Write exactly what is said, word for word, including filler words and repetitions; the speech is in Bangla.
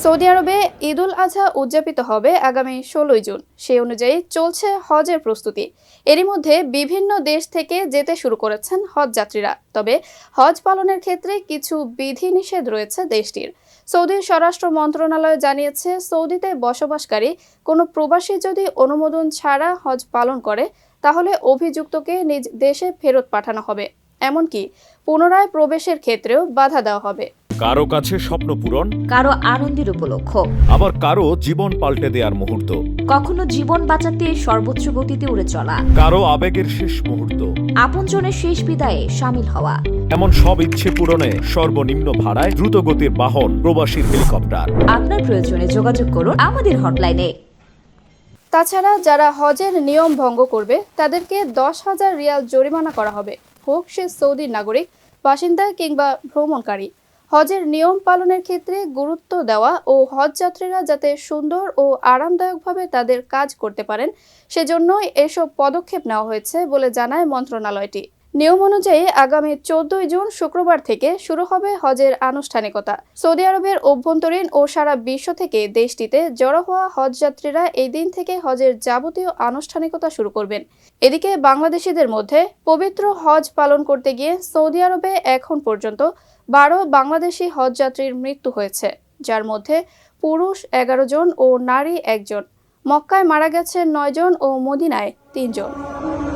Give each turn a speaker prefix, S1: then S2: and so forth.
S1: সৌদি আরবে ঈদুল আজহা উদযাপিত হবে আগামী ষোলোই জুন। সেই অনুযায়ী চলছে হজের প্রস্তুতি। এরই মধ্যে বিভিন্ন দেশ থেকে যেতে শুরু করেছেন হজ যাত্রীরা। তবে হজ পালনের ক্ষেত্রে কিছু বিধিনিষেধ রয়েছে দেশটির। সৌদির স্বরাষ্ট্র মন্ত্রণালয় জানিয়েছে, সৌদিতে বসবাসকারী কোনো প্রবাসী যদি অনুমোদন ছাড়া হজ পালন করে তাহলে অভিযুক্তকে নিজ দেশে ফেরত পাঠানো হবে। এমনকি পুনরায় প্রবেশের ক্ষেত্রেও বাধা দেওয়া হবে।
S2: কারো কাছে স্বপ্ন পূরণ,
S3: কারো আনন্দের উপলক্ষ,
S2: আবার কারো জীবন পাল্টে দেওয়ার মুহূর্ত,
S3: কখনো জীবন বাঁচাতে সর্বোচ্চ গতিতে উড়ে চলা,
S2: কারো আবেগের শেষ মুহূর্ত,
S3: আপনজনের শেষ বিদায়ে সামিল হওয়া।
S2: এমন সব ইচ্ছে পূরণে সর্বনিম্ন ভাড়ায় দ্রুত গতির বাহন প্রবাসীর হেলিকপ্টার।
S3: আপনার প্রয়োজনে যোগাযোগ করুন আমাদের হটলাইনে।
S1: তাছাড়া যারা হজের নিয়ম ভঙ্গ করবে তাদেরকে দশ হাজার রিয়াল জরিমানা করা হবে, হোক সে সৌদির নাগরিক, বাসিন্দা কিংবা ভ্রমণকারী। হজের নিয়ম পালনের ক্ষেত্রে গুরুত্ব দেওয়া ও হজযাত্রীরা যাতে সুন্দর ও আরামদায়কভাবে তাদের কাজ করতে পারেন সেজন্যই এসব পদক্ষেপ নেওয়া হয়েছে বলে জানায় মন্ত্রণালয়টি। নিয়ম অনুযায়ী আগামী চোদ্দই জুন শুক্রবার থেকে শুরু হবে হজের আনুষ্ঠানিকতা। সৌদি আরবের অভ্যন্তরীণ ও সারা বিশ্ব থেকে দেশটিতে জড়ো হওয়া হজযাত্রীরা এই দিন থেকে হজের যাবতীয় আনুষ্ঠানিকতা শুরু করবেন। এদিকে বাংলাদেশিদের মধ্যে পবিত্র হজ পালন করতে গিয়ে সৌদি আরবে এখন পর্যন্ত বারো বাংলাদেশি হজযাত্রীর মৃত্যু হয়েছে, যার মধ্যে পুরুষ এগারো জন ও নারী একজন। মক্কায় মারা গেছে নয় জন ও মদিনায় তিনজন।